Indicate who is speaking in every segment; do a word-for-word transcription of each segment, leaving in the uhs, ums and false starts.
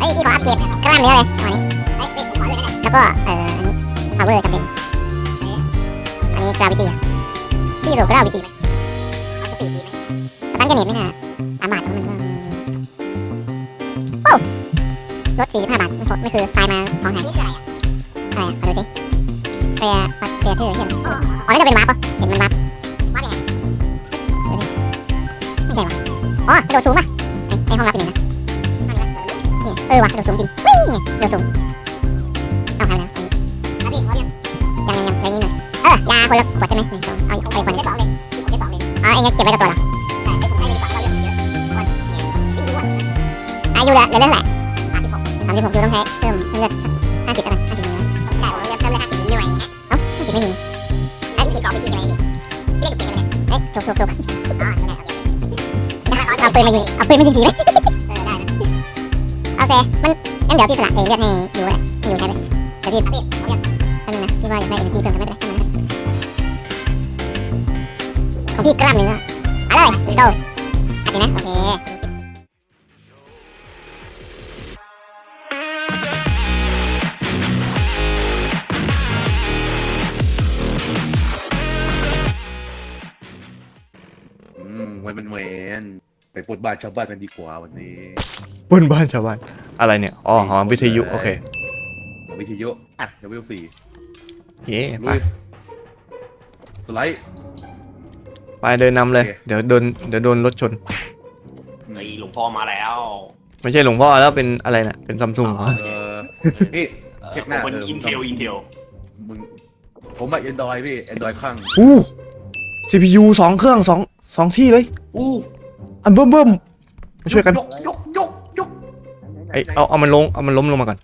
Speaker 1: ฮ้ยพี่ขออัปเกรดกล้ามเนื้อเลยตอนนี้เฮ้ยผมขอเลยนะแล้วก็เอ่ออันนี้ power จำเป็นอันนี้ gravity อะซี่โร่ gravity ไหมเอาสี่ดีไหมสตันกันเน็ตไม่น่าสามบาทมันก็โอ้ลดสี่สิบห้าบาทไม่ไม่คือตายมาของหายนี่คืออะไรอ่ะอะไรอ่ะเอาดูสิเฟียเฟียชื่อเฮียอ๋อแล้วจะเป็นวาร์ปปะเห็นมันวาร์ปวาร์ปยังไงดูสิไม่ใช่วะอ๋อกระโดดสูงปะไอไอห้องลับเป็นยังไงนี่เออวะกระโดดสูงจริงวิ่งไงกระโดดสูงเอาหายแล้วอันนี้ยังยังยังใช้นี่หน่อยเออยาคนละขวดใช่ไหมหนึ่งสองเอาอีกเอาอีกคนนึงสองเลยผมได้สองเลยอ๋อไอ้เงี้ยเก็บไว้กับตัวเหรอใช่ผมให้ไปดีกว่าเราเยอะเยอะอายุเหลือเหลือเท่าไหร่สามสิบหกยูต้องใช้เพิ่มเลือดห้าสิบอะไรห้าสิบนิ้วใช่ผมเลือดเพิ่มเลือดห้าสิบนิ้วอะไรอย่างเงี้ยเอ้าห้าสิบไม่มีไอ้กี่กล่องไปกี่อะไรนี่เรียกกี่กันเนี่ยเฮ้ยถูกถูกถูกอ๋อโอเคเอาปืนมายิงเอาปืนมายิงกี่ไหมเออได้นะโอเคมันงั้นเดี๋ยวพี่สละเอเลือดให้ยูแหละให้ยูใช้ไปเดี๋ยวพี่พี่เอาเลือดแป๊บนึงนะพี่ว่าอยากได้เอเนจีเพิ่มกันไม่เป็นไรของพี่กล้ามเนื้อเอาเลย let's go อันนี้นะโอเค
Speaker 2: วันเป็นเวนไปปลดบ้านชาวบ้านกันดีกว่าวันนี้
Speaker 3: บนบ้านชาวบ้านอะไรเนี่ยอ๋อหอวิทยุโอเค
Speaker 2: วิทยุอ่ะเดวิลสี่
Speaker 3: เย้ไป
Speaker 2: สไลด์
Speaker 3: ไปเดินนำเลยเดี๋ยวโดนเดี๋ยวโดนรถชน
Speaker 4: ไอ้หลวงพ่อมาแล้ว
Speaker 3: ไม่ใช่หลวงพ่อแล้วเป็นอะไรน่ะเป็นซัมซุงเหรอ
Speaker 2: เออพี่เช็คหน้า
Speaker 4: เป็นอินเทลอินเทล
Speaker 2: มึงผมอะแอนดรอยพี่แอนดรอยข้าง
Speaker 3: อู้ ซี พี ยู สองเครื่องสองสองที่เลย
Speaker 2: อู้
Speaker 3: อันเบิ่มเบิ่มมาช่วยกัน
Speaker 2: ยกยกยกยก
Speaker 3: ไอเอาเอามันลงเอามันล้มลงมาก่อน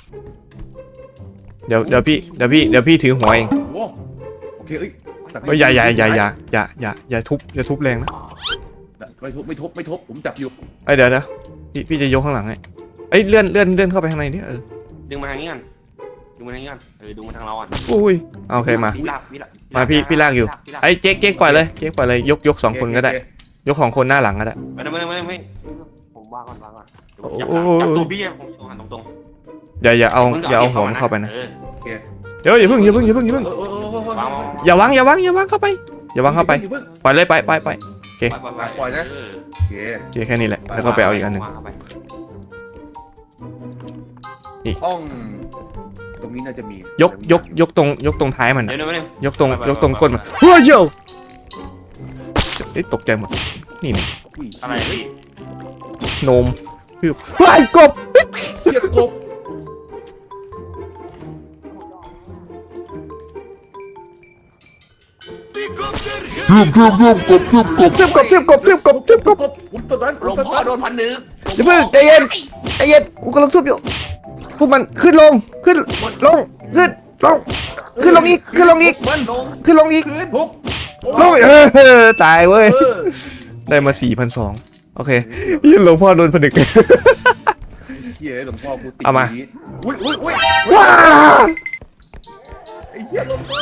Speaker 3: เดี๋ยวเดี๋ยวพี่เดี๋ยวพี่เดี๋ยวพี่ถือหัวเอง
Speaker 2: โอ้โอเคเอ้ย
Speaker 3: เฮ้ยอย่าอย่าอย่าอย่าอย่าอย่าอย่าทุบอย่าทุบแรงนะ
Speaker 2: ไม่ทุบไม่ทุบไม่ทุบผมจับอยู่
Speaker 3: ไอยเดี๋ยวเดี๋ยวพี่พี่จะยกข้างหลังให้ไอยเลื่อนเลื่อนเลื่อนเข้าไปข้างในนี่เออ
Speaker 4: ดึงมาทางนี้กันดึงมาทางนี้กันเออดึงมาทางเราอ่ะ
Speaker 3: อุ้ยเอาโอเคมา
Speaker 4: พี่ลากพี่ลาก
Speaker 3: มาพี่พี่ลากอยู่ ไอ้เจ๊กเจ๊กปล่อยเลยเจ๊กปล่อยเลยยกยกสองคนก็ได้ยกของคนหน้าหลังก็ได้
Speaker 4: ไม่ไม่ไม่ไม่ผมวางก่อนวางก่อน
Speaker 3: โอ้
Speaker 4: จับ
Speaker 3: โห
Speaker 4: จับตัวพี่ผมตรงหันตรงตรง
Speaker 3: อย่าอย่าเอาอย่าเอาหัวมันเข้าไปนะ
Speaker 4: เออ
Speaker 3: เดี๋ยวอย่าเพิ่งอย่าเพิ่งอย่าเพิ่งอย่าเพิ่ง
Speaker 2: เออเออเออเออ
Speaker 4: วาง
Speaker 3: อย่าวางอย่าวางอย่าวางเข้าไปอย่าวางเข้าไปปล่อยเลยไปไปไป
Speaker 2: ปล่อยนะ
Speaker 4: เออ
Speaker 2: โอเค
Speaker 3: โอเคแค่นี้แหละแล้วก็ไปเอาอีกอันหนึ่ง
Speaker 4: วางเข้าไป
Speaker 2: ห้องตรงนี้น่าจะมี
Speaker 3: ยกยกยกตรงยกตรงท้ายมัน
Speaker 4: เดี๋
Speaker 3: นะ
Speaker 4: ยวเดี๋ยวเดี๋ยวย
Speaker 3: กตรงยกตรงก้นมันเฮ้ยเจ้าเอ้ยตกใจหมดนี่นี่
Speaker 4: อะไรพี่
Speaker 3: โนมคือเฮ้ยกบ
Speaker 2: เสียกบ
Speaker 3: เทียบกบเทียบกบเทียบกบเทียบกบเทียบกบเทียบกบเทียบกบ
Speaker 2: ผมตอนนั้น
Speaker 4: หลวงพ่อโดนพันหนึ่ง
Speaker 3: อย่าเพิ่งใจเย็นใจเย็นกูกำลังทุบอยู่ทุบมันขึ้นลงขึ้นลงขึ้นลงขึ้นลงอีกขึ้นลงอีก
Speaker 2: มันลง
Speaker 3: ขึ้นลงอีก
Speaker 2: พื้นทุบ
Speaker 3: ลงเออตายเว้ยได้มาสี่พันสองโอเคยืนหลวงพ่อโดนผนึก
Speaker 2: เฮียหลวงพ่อกูติด
Speaker 3: เอามา
Speaker 2: อุ้ยอุ้ยอุ้ย
Speaker 3: ว้า
Speaker 2: ไอ้เฮียหลวงพ่อ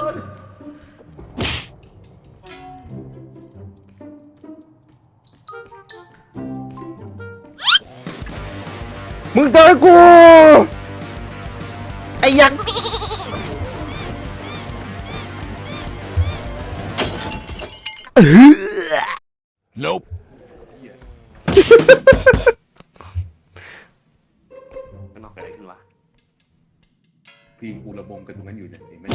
Speaker 3: มึงเจอกูไอ้ยักษ์เออ
Speaker 5: Nope.
Speaker 4: ข้างนอกเกิดอะไรขึ้นวะ
Speaker 2: พี่กูระบมกันตรงนั้นอยู่เนี่ยเห็นไหม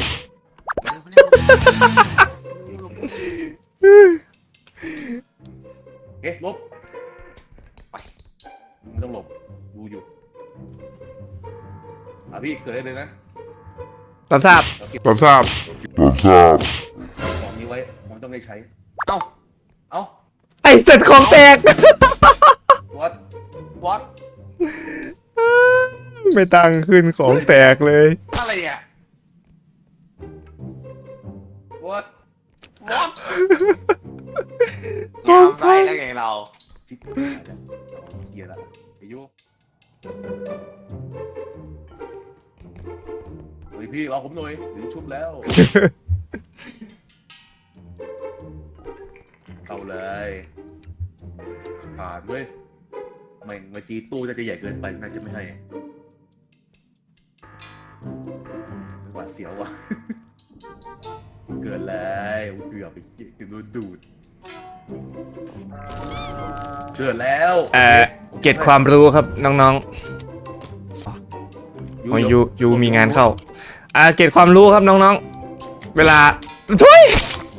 Speaker 2: เอ๊ะลบไปไม่ต้องหลบดูอยู่อ่ะพี่เกิดได้เลยนะ
Speaker 3: รับทราบ
Speaker 5: รับทราบ รับทราบ
Speaker 2: ของนี้ไว้ผมต้องได้ใช้
Speaker 4: เอ้า
Speaker 2: เอ้า
Speaker 3: ไอ้เสร็จของแตก
Speaker 2: วัด
Speaker 4: วัด
Speaker 3: ไม่ตังขึ้นของแตกเลย
Speaker 4: อะไรเนี่ย
Speaker 2: วัด
Speaker 4: วัด
Speaker 3: ของ
Speaker 4: ไปแล้วไงเรา
Speaker 2: จิ๊บหายแล้วเฮียละไอ้โยเฮ้ยพี่รอผมหน่อยเดี๋ยวชุบแล้วเอาเลยผ่านเว้ยไม่ม่งเมื่อกี้ตู้น่าจะใหญ่เกินไปน่าจะไม่ให้หวาดเสียวว่ะ เกินแล้วเกือบไปกินโดนดูดเกิดแล้ว
Speaker 3: เอ่อเก็บความรู้ครับน้องๆอ๋อยูยูมีงานเข้าอ่าเก็บความรู้ครับน้องๆเวลาทุย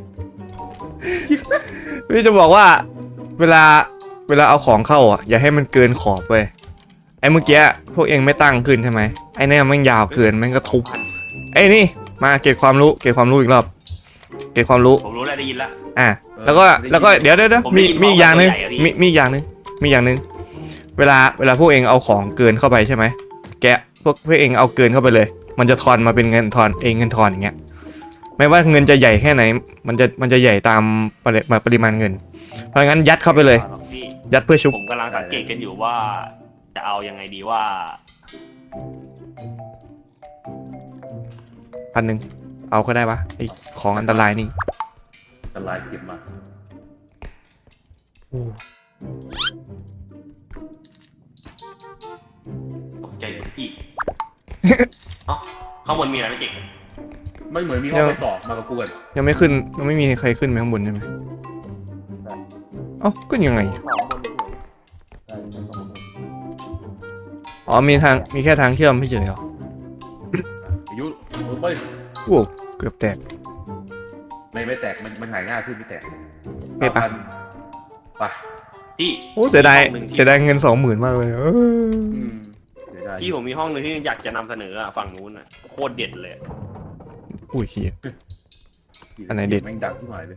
Speaker 3: พี่จะบอกว่าเวลาเวลาเอาของเข้าอ่ะอย่าให้มันเกินขอบเว้ยไอ้เมื่อกี้พวกเองไม่ตั้งขึ้นใช่ไหมไอ้เนี่ยมันยาวเกินมันก็ทุบไอ้นี่มาเก็บความรู้เก็บความรู้อีกรอบเก็บความรู้
Speaker 4: ผมรู้แล้วได้ยินแล้ว
Speaker 3: อ่ะแล้วก็แล้วก็เดี๋ยวเดี๋ยวเดี๋ยว
Speaker 4: ผมได้
Speaker 3: มี
Speaker 4: ยิน
Speaker 3: มีอีกอย่างหนึง
Speaker 4: บอกว่าตัวใหญ่อะพี่
Speaker 3: มีมีอีกอย่างหนึงมีอย่างหนึงเวลาเวลาพวกเองเอาของเกินเข้าไปใช่ไหมแกะพวกพวกเองเอาเกินเข้าไปเลย มันจะทอนมาเป็นเงินทอนเองเงินทอนอย่างเงี้ยไม่ว่าเงินจะใหญ่แค่ไหนมันจะมันจะใหญ่ตามปริมาปริมาณเงิน เพราะงั้นยัดเข้าไปเลย
Speaker 4: พี่
Speaker 3: ยัดเพื่อชุบ
Speaker 4: ผมกำลังสังเกตกันอยู่ว่า จะเอายังไงดีว่า
Speaker 3: พันหนึ่งเอาก็ได้ปะไอของอันตรายนี่
Speaker 2: อันตรายเก็บมา
Speaker 3: โอ้
Speaker 4: ตกใจหมดพี่ เอ้าข้างบนมีอะไรไม่เก่ง
Speaker 2: ไม่เหมือนมีห้องไปต่อมากับกูกัน
Speaker 3: ยังไม่ขึ้นยังไม่มีใครขึ้นไปข้างบนใช่ไหมเอ้าขึ้นยังไงอ๋อมีทางมีแค่ทางเชื่อมไม่เฉยเหรอ
Speaker 2: อายุไป
Speaker 3: โอ้เกือบแตก
Speaker 2: ไม่ไม่แตกมันมันหายง่ายขึ้นไม่แตก
Speaker 3: เก็บปะ
Speaker 2: ไป
Speaker 4: พี่
Speaker 3: โอ้เสียดาย
Speaker 4: มีห้องหนึ่งที่
Speaker 3: เสียดายเงินสองหมื่นมากเลยเออ
Speaker 2: อืมเดี๋ยวได้
Speaker 4: พี่ผมมีห้องหนึ่งที่อยากจะนำเสนออะฝั่งนู้นอะโคตรเด็ดเลย
Speaker 3: อุ้ยเฮีย อันไหนเด็ด
Speaker 2: แม่งดังที่หมายเลย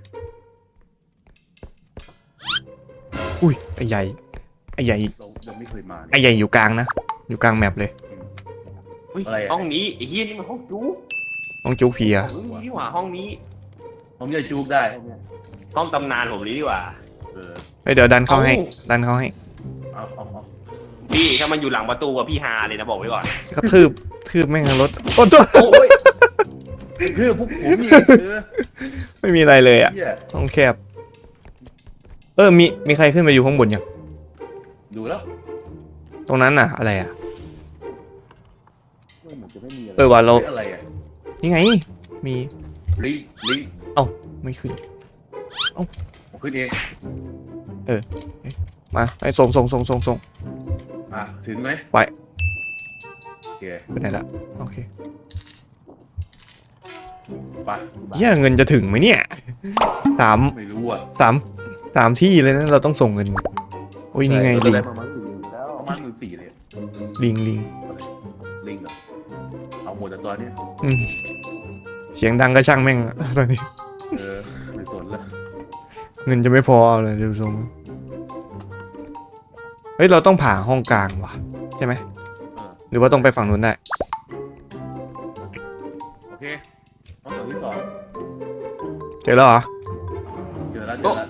Speaker 3: อุ้ยไอ้ใหญ่ไอ้ใหญ่
Speaker 2: เราเราไม่เคยมา
Speaker 3: ไอ้ใหญ่อยู่กลางนะอยู่กลางแมปเลย
Speaker 4: อุ๊ย
Speaker 2: อะไรอะ
Speaker 4: ห้องนี้ไอ้เฮียนี่มันห้องจู๊
Speaker 3: ต้องจุกเพีย
Speaker 4: เฮ้ยนี่หว่าห้องนี้
Speaker 2: ผมจะจูบได้
Speaker 4: ห้องตำนานผมนี้ดีกว่า
Speaker 2: เออ
Speaker 3: เฮ้ยเดี๋ยวดันเข้าให้
Speaker 4: เอ้า
Speaker 3: ดันเข้าให้
Speaker 2: เอาเอาเอา
Speaker 4: พี่ถ้ามันอยู่หลังประตูอะพี่ฮาเลยนะบอกไว้ก่อน
Speaker 3: ก็ทืบทืบแม่งทั้งรถโอ้จ้
Speaker 2: โอ้ยคือพวกผมนี่เออ
Speaker 3: ไม่มีอะไรเลยอ่ะ
Speaker 2: เหี้ย
Speaker 3: ห้องแคบ เออมีมีใครขึ้นไปอยู่ข้างบนยัง
Speaker 2: ดูแล้ว
Speaker 3: ตรงนั้นน่ะอะไรอ่ะ
Speaker 2: เหมือนจะไม่มีอะไร
Speaker 3: เออว่าเรา
Speaker 2: อะไรอ่ะ
Speaker 3: นี่ไง มี
Speaker 2: ลิงลิง
Speaker 3: ไม่ขึ้น
Speaker 2: ผมขึ้นเอง
Speaker 3: มาไอ้ส่งส่งส่งส่งส่ง
Speaker 2: อ่ะถึงไหม
Speaker 3: ไป
Speaker 2: โอเค
Speaker 3: ไปไหนละโอเค
Speaker 2: ไป
Speaker 3: เฮียเงินจะถึงไหมเนี่ยสาม
Speaker 2: ไม่รู้อ่ะ
Speaker 3: สามสามที่เลยนะเราต้องส่งเงินโอ้ยนี่ไง
Speaker 2: ใช่
Speaker 3: ลิง
Speaker 2: เราด้ประมาณสี่แล้วประมาณหมื่นสี่เลย
Speaker 3: ลิงลิง
Speaker 2: ลิงเหรอเอาหมดแต่ตัวเนี้ย
Speaker 3: อืมเสียงดังก็ช่างแม่งอะตอนนี้
Speaker 2: เออไม่สนละ
Speaker 3: เงินจะไม่พอเอาเลยดูทรงเฮ้ยเราต้องผ่าห้องกลางว่ะใช่ไหม
Speaker 2: เออ
Speaker 3: หรือว่าต้องไปฝั่งนู้นได้
Speaker 2: โอเคห้องส่วนที่สอง
Speaker 3: เจอแล้วเหรอ
Speaker 2: เจอแล้วเจอแล้ว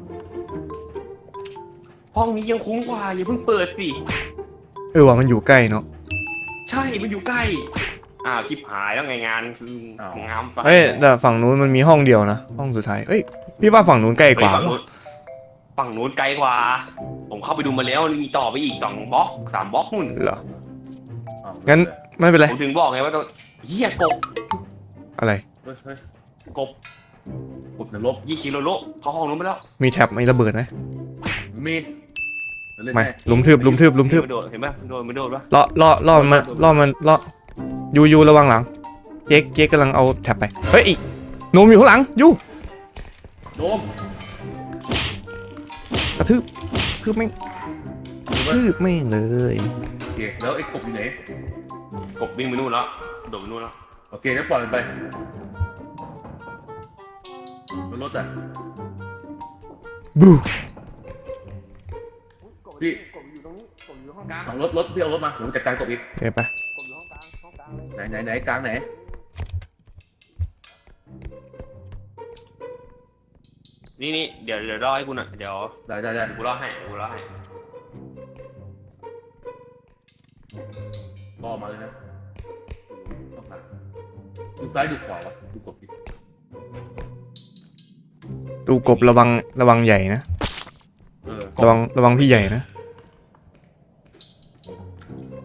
Speaker 4: ห้องนี้ยังคุ้มกว่าอย่าเพิ่งเปิดสิ
Speaker 3: เออว่ามันอยู่ใกล้เนาะ
Speaker 4: ใช่มันอยู่ใกล้อ้าวคลิปหายแล้วไงงานคืองามฟัง
Speaker 3: เฮ้ยแต่ฝั่งนู้นมันมีห้องเดียวนะห้องสุดท้ายเอ้ยพี่ว่าฝั่งนู้นใกล้กว่า
Speaker 4: ฝั่งนู้นฝั่งนู้นไกลกว่า ผมเข้าไปดูมาแล้วมีต่อไปอีกสองบล็อกสามบล็อกนู่น
Speaker 3: เหรอ
Speaker 2: อ้าว
Speaker 3: งั้นไม่เป็นไร
Speaker 4: ผมถึงบอกไงว่าต้องเฮียกบ
Speaker 3: อะไร
Speaker 2: เฮ้ยเฮ้ย
Speaker 4: กบ
Speaker 2: กดนรก
Speaker 4: ยี่กิโลโลเขาห้องนู้นไปแล้ว
Speaker 3: มีแท็บมีระเบิดไหม
Speaker 2: มีดเล่น
Speaker 3: ไม่
Speaker 2: แน่
Speaker 3: ลุมทืบลุมทืบลุมทืบ
Speaker 4: เห็นนโดดเห็นไหมมันโดดมันโดดปะ
Speaker 3: ล่อล่อล่อมันล่อมันล่อยูยูระวังหลังเจ๊กเจ๊กกำลังเอาแท็บไปเฮ้ยอีโนมอยู่ข้างหลังยู
Speaker 2: โดม
Speaker 3: กระทืบทืบแม่ง
Speaker 2: ดูว่า
Speaker 3: ทืบแม่งเลย
Speaker 2: โอเคแล้วไอ้กบอยู่ไหน
Speaker 4: กบวิ่งไปนู่นแล้วโดดไปนู่นแล้ว
Speaker 2: โอเคงั้นปล่อยมันไปมันรถอ่ะ
Speaker 3: บู
Speaker 2: พี่
Speaker 4: กบอยู่ตรงนี้กบอยู่ห้องกลาง
Speaker 2: เอารถรถพี่เอารถมาผมจัดการกบอีก
Speaker 3: เดี๋ยวไป
Speaker 4: กบอยู่ห้องกลางห้องกลางเลย
Speaker 2: ไหนไหนไหนกลางไหน
Speaker 4: นี่นี่เดี๋ยวเดี๋ยวรอให้กูหน่อยเดี๋ยว
Speaker 2: ได้ได้ได้
Speaker 4: กูรอให้กูรอให้
Speaker 2: ล่อมาเลยนะต้องหาดูซ้ายดูขวาวะดูกบดิ
Speaker 3: ดูกบระวังระวังใหญ่นะ
Speaker 2: เออ
Speaker 3: ระวังระวังพี่ใหญ่นะ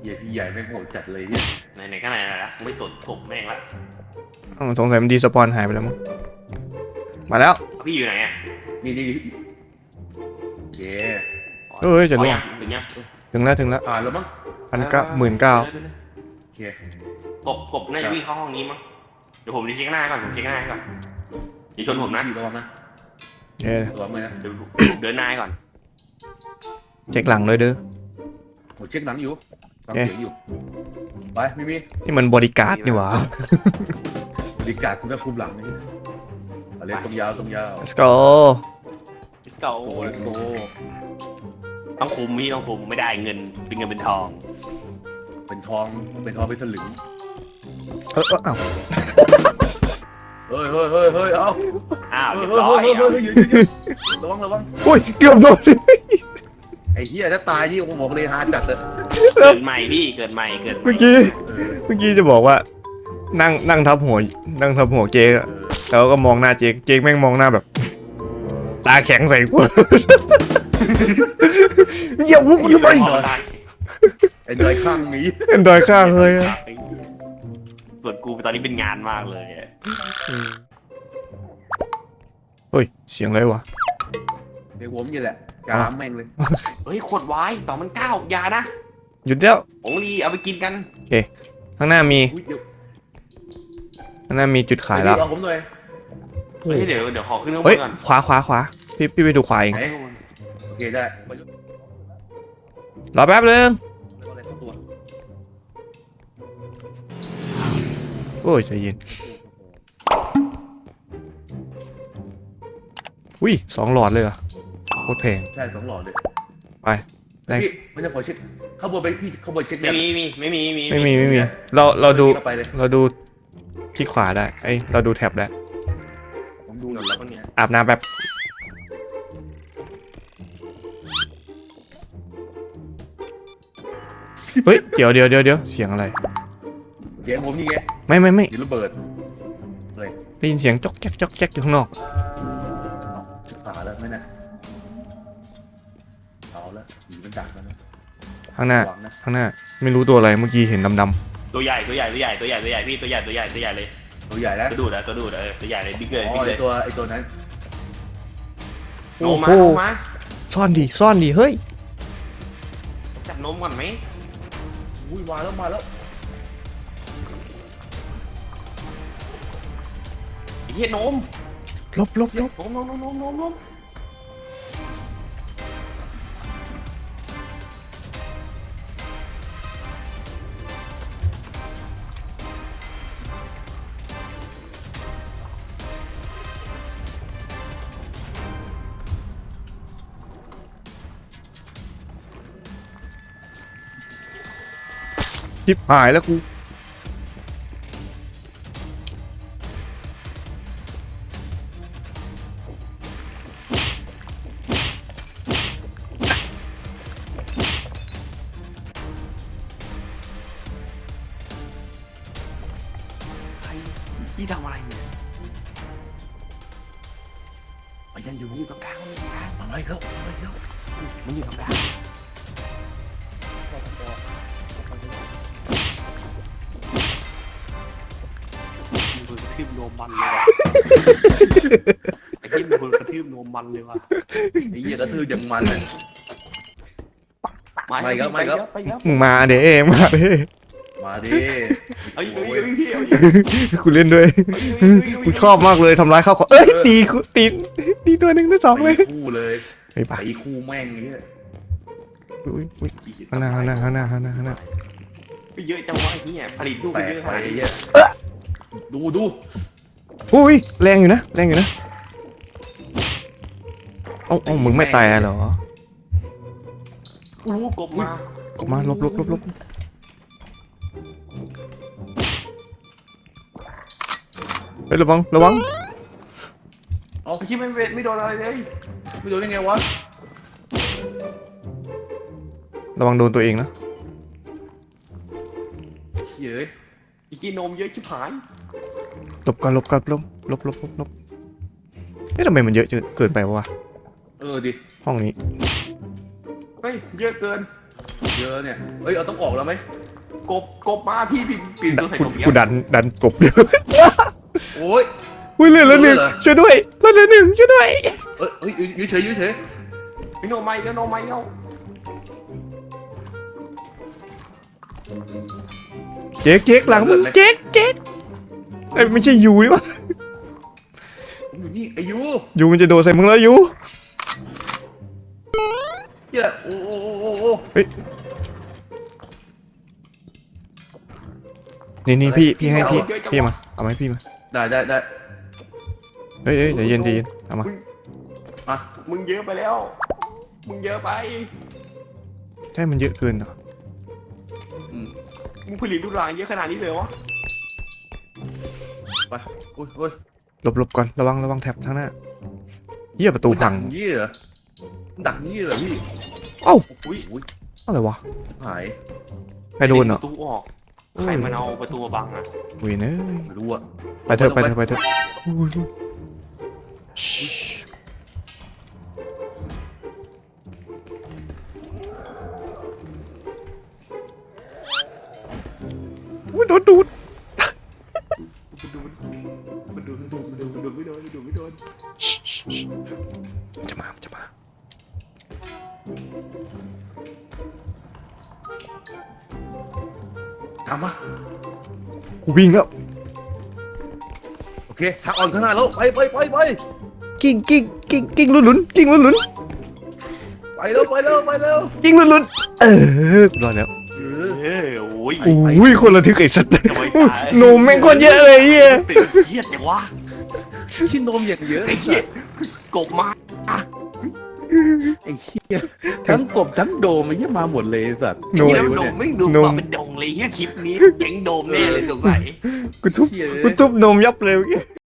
Speaker 2: หี้ยพี่ใหญ่แม่งโหดจัดเลยเนี่ย
Speaker 4: ไหนไหนก็ไหนละไม่สนผมแม่งละ
Speaker 3: อ้าวสงสัยมันดีสปอนหายไปแล้วมั้งมาแล้ว
Speaker 4: พี่อยู่ไหนอ่ะ
Speaker 2: นี่นี่เย้
Speaker 3: เอ้ยจะล่วง
Speaker 4: ถึงยัง
Speaker 3: ถึงแล้วถึงแล้ว
Speaker 2: ผ่านแล้วมั้ง
Speaker 3: พันเก้าหมื่นเก้า
Speaker 2: โอเค
Speaker 4: กบกบน่าจะวิ่งเข้าห้องนี้มั้งเดี๋ยวผมจะเช็คหน้าก่อนผมเช็คหน้าก่อนอย่าชนผมนะ
Speaker 2: พี่ระวังนะ
Speaker 3: เย้
Speaker 2: ระวังเลยนะ
Speaker 4: เดี๋ยวเดินหน้าก่อน
Speaker 3: เช็คหลังเลยเด้อ
Speaker 2: ผมเช็คหนังอยู่ฟัง
Speaker 3: โอเค
Speaker 2: เสียงอยู่ไปไม่มี
Speaker 3: นี่มันบริการดนี่หว่า
Speaker 2: บริการคุณก็คุมหลังนี่เอาเล่นตรงยาวตรงยาว
Speaker 3: let's go
Speaker 4: เก่า
Speaker 2: โกเลสโก
Speaker 4: ต้องคุมพี่ต้องคุมไม่ได้เงินเป็นเงินเป็นทอง
Speaker 2: เป็นทองเป็นทองเป็นสลึง
Speaker 3: เออเอออ้าว
Speaker 2: เฮ้ยเฮ้ยเฮ้ยเฮ้ยเอา
Speaker 4: อ้าว
Speaker 2: เฮ้
Speaker 4: เรี
Speaker 2: ย
Speaker 4: ยบ
Speaker 2: เฮ้ย
Speaker 4: ร้อย
Speaker 2: เฮ้ย
Speaker 4: อ่ะ
Speaker 2: เฮ้ยหยุดหยุดหยุดระวังระวัง
Speaker 3: โอ้ยเกือบโดน
Speaker 2: ไอ้เหี้ยถ้าตายนี่ผมบอกเลยฮาจัดเลย
Speaker 4: เกิดใหม่พี่เกิดใหม่เกิดให
Speaker 3: เมื่อกี้
Speaker 2: เออ
Speaker 3: เมื่อกี้จะบอกว่า นั่งนั่งทับหัวนั่งทับหัวเจ๊อะ
Speaker 2: เออ
Speaker 3: แล้วก็มองหน้าเจ๊เจ๊แม่งมองหน้าแบบ ตาแข็งใส่กู เหยียบวุ้กูทำไม
Speaker 2: ไอ้เนยข้างนี้
Speaker 3: เอ็นดอยข้างเลยอะ
Speaker 4: ส่วนกูตอนนี้เป็นงานมากเลยอะ
Speaker 3: เฮ้ยเสียงอะไรวะ
Speaker 2: เดี๋ยวผมนี่แหละกามแม่งเลย
Speaker 4: เฮ้ยขวดไวน์สองพันเก้าอย่านะ
Speaker 3: หยุดแล้ว
Speaker 4: ของลีเอาไปกินกัน
Speaker 3: ข้างหน้ามี
Speaker 2: อุ๊ยเดี๋ยว
Speaker 3: ข้างหน้ามีจุดขายแล้ว
Speaker 2: เอาผมหน่อย
Speaker 4: เฮ้ยเดี๋ยวเดี๋ยวขอขึ้นข้างบ
Speaker 3: เฮ้ย
Speaker 4: นก่อน
Speaker 3: ขวาขวาขวาพี่พี่ไปดูขวาเอง
Speaker 2: ไหนโอเคได้ไปยก
Speaker 3: รอแป๊บนึง
Speaker 2: อะไรเข้าตัว
Speaker 3: โอ้ยใจเย็นอุ้ยสองหลอดเลยเหรอโคตรแพง
Speaker 2: ใช่สองหลอดเลย
Speaker 3: ไปได้
Speaker 2: พี่ไม่ต้องขอเช็คข้างบนไปพี่ข้างบนเช็ค
Speaker 4: ไม่มีมีไม่มีมี
Speaker 3: ไม่มีไม่มีเราเราดู
Speaker 2: ไปเลย
Speaker 3: เราดูที่ขวาได้เอ้ยเราดูแท็บได้
Speaker 2: ผมดู
Speaker 4: ห
Speaker 2: ห
Speaker 4: ม
Speaker 2: น่อ
Speaker 4: ด
Speaker 2: ย
Speaker 4: แล้วคนเนี้ย
Speaker 3: อาบน้ำแบบเฮ้ยเดี๋ยวเดี๋ยวเดี๋ยวเดี๋ยวเสียงอะไร
Speaker 2: เสียงผมนี่ไง
Speaker 3: ไม่ไม่ไม่
Speaker 2: เสียงระเบิด
Speaker 3: ได้ยินเสียงจ๊อกแจ๊กจ๊อกแจ๊กอยู่ข้างนอก
Speaker 2: เอาชิบหายแล้วไม่น่ะเอาละหนีมันดักแล้วนะ
Speaker 3: ข้างหน้า
Speaker 2: หวังนะ
Speaker 3: ข้างหน้าไม่รู้ตัวอะไรเมื่อกี้เห็นดำ
Speaker 4: ตัวใหญ่ตัวใหญ่ตัวใหญ่ตัวใหญ่ตัวใหญ่พี่ตัวใหญ่ตัวใหญ่ตัวใหญ่เลย
Speaker 2: ตัวใหญ่แล้ว
Speaker 4: ตัวดูดอะตัวดูดอะเออตัวใหญ่เลยบิ๊กเลย
Speaker 2: อ๋อ
Speaker 4: บิ๊กเล
Speaker 2: ไอย ตัวไอตัวนั้น
Speaker 3: ๆ
Speaker 4: โน
Speaker 3: โอ้
Speaker 4: มมา
Speaker 3: โห
Speaker 4: โนมมา
Speaker 3: ซ่อนดิซ่อนดิเฮ้ย
Speaker 4: จับนมก่อนไหม
Speaker 2: อุ้ยมาแล้วมาแล้ว
Speaker 4: ไอ้เหี้ยนม
Speaker 3: ลบลบลบ
Speaker 4: นมนมนมนมนมนม
Speaker 3: จิบหายแล้วกู
Speaker 4: พี่ทำอะไรเนี่ย
Speaker 2: มันยังอยู่ตรงกลางมันอยู่ตรงกลางมันไม่แล้วมันไม่แล้ว
Speaker 4: มันอยู่ตรงกลางมือกระทืบนมมันเลยว่ะไอ้ที่มือกระทืบนมมันเลยว่ะ
Speaker 2: ไอ้เหี้ยกระทืบยังมันเลย ไม่ครับไม่ครับ
Speaker 4: ไปแล้ว
Speaker 3: มึงมาเด้มาเด้
Speaker 2: มาดิ
Speaker 4: เอาอีกเอาอีกเอาอีกพี่เอาอีก
Speaker 3: กูเล่นด้วย
Speaker 4: เอาอีกเอาอีกเอาอีก
Speaker 3: กูชอบมากเลยทำร้ายข้าวของเอ้ยตีกูตีตีตัวหนึ่งตัวสองเลย
Speaker 2: ตีคู่เลย
Speaker 3: ไปปะ
Speaker 2: ตีคู่แม่งไอ้เหี้ย
Speaker 3: อุ้ยอุ้ยข้างหน้าข้างหน้าข้างหน้าข้างหน้าข้างหน้า
Speaker 4: ไปเยอะจังวะไอ้เหี้ยผลิตลูก
Speaker 2: แต
Speaker 4: ไป
Speaker 2: ก
Speaker 4: เยอะ
Speaker 2: ไป
Speaker 4: ขนาด
Speaker 2: ไอ้
Speaker 4: นี้
Speaker 2: เหี้ยดูดู
Speaker 3: อุ้ยแรงอยู่นะแรงอยู่นะเอ้าเอ้ามึงไม่ตายเหรอ
Speaker 4: อู้กบมา
Speaker 3: ก็มาลบลบลบลบเฮ้ยระวังระวัง
Speaker 4: ไอ้ที่ไม่ไม่โดนอะไรเลย
Speaker 2: ไม่ดูได้ไงวะ
Speaker 3: ระวังโดนตัวเองนะ
Speaker 2: เฮ้ย
Speaker 4: ไอ้ที่นมเยอะชิบหาย
Speaker 3: หลบก่อนหลบก่อนลบลบลบลบลบเอ๊ะทำไมมันเยอะเกินไปวะ
Speaker 2: เออดิ
Speaker 3: ห้องนี้
Speaker 4: เฮ้ยเยอะเกิน
Speaker 2: เยอะเนี่ยเฮ้ยเราต้องออกแล้วไหม
Speaker 4: กบกบมาพี่พี่ปีนตัวใส่
Speaker 3: กู
Speaker 4: กบเนี้
Speaker 3: กูดันดันกบเดียว
Speaker 2: โอ้ย
Speaker 3: อุ้ยเหลือละหนึ่ง
Speaker 2: เหรอ
Speaker 3: ช่วยด้วยเหลือละหนึ่งช่วยด้วย
Speaker 2: เอ้ยเฮ้ยยืดเฉยยืดเฉย
Speaker 4: พี่โนไม่ก็โนไม่เอา
Speaker 3: เจ๊กเจ๊กหลังมึงเจ๊กเจ๊กไอ้ยไม่ใช่ยูนี่วะ
Speaker 2: ผมอยู่นี่ไอายุ
Speaker 3: ยูมันจะโดนใส่มึงแล้วยู
Speaker 2: เหี้ยโอ้โอ้โอ้โอ้โอ้
Speaker 3: นี่นี่พี่พี่ให้พี่พี่มาเอาไหมาให้พี่มา
Speaker 2: ได้ได้ได้
Speaker 3: เฮ้ยเฮ้ยใจเย็นใจเย็นเอามา
Speaker 2: มา
Speaker 4: มึงเยอะไปแล้ว มึงเยอะไป
Speaker 3: ใช่มันเยอะเกินเหรอ
Speaker 2: อืม
Speaker 4: มึงผลิตลูกหลานเยอะขนาดนี้เลยวะ
Speaker 2: ไปอุ้ยอุ้ย
Speaker 3: หลบหลบก่อนระวังระวังแท็บทางหน้าเหี้ยประตูพัง
Speaker 2: ดักยี่เหรอดักยี่เหรอพี่
Speaker 3: เอ้า
Speaker 2: อุ้ยอุ้ย
Speaker 3: อะไรวะ
Speaker 2: หาย
Speaker 3: ใครโดนเหรอ
Speaker 4: ประตูออกใครมันเอาประตูมาบังอ่ะ
Speaker 3: เว้ยเนย
Speaker 2: ไม่รู้อะ
Speaker 3: ไปเถอะไปเถอะไปเถอะอุ้ยอุ้ยชิอุ้ยโดนดูด
Speaker 4: มันดูมันดูมันดูมันดูไม่โดนมันดูไม่โดน
Speaker 3: ชิชิชิมันจะมามันจะมา
Speaker 2: ตามมา
Speaker 3: กูวิ่งแล้ว
Speaker 2: โอเคทางออนข้างหน้าแล้วไปไปไปไป
Speaker 3: กิ้งกิ้งกิ้งกิ้งลุ้นลุ้นกิ้งลุ้นลุ้น
Speaker 2: ไปเร็วไปเร็วไปเร็ว
Speaker 3: กิ้งลุ้นลุ้นเออรอดแล้ว
Speaker 2: เออ
Speaker 4: เอ้ยโอ้ย
Speaker 3: อุ้ยคนละทึกไอ้สัตว์
Speaker 4: จะไม่ตาย
Speaker 3: หนูแม่งคนเยอะเลยเฮีย
Speaker 4: ตื่นเครียดจังวะ
Speaker 2: ขี้นมอย่างเยอะ
Speaker 4: ไอ้
Speaker 2: ไอ้
Speaker 4: เหี้
Speaker 2: เหี้
Speaker 4: ย
Speaker 2: ย
Speaker 4: กบมา
Speaker 2: ไอ้เหี้ยทั้งกบทั้งโดมไอ้เหี้ยมาหมดเลยไอ้สัตว์
Speaker 3: โน
Speaker 4: ที่
Speaker 3: ย
Speaker 4: น้ำโดมไม่ดูมาเป็นดงเลยเฮียคลิปนี้แข็งโดมแน่เลยสงสัย
Speaker 3: กูทุบ
Speaker 2: เหี้ย
Speaker 3: กูทุบนมยับเลยเมื่อกี้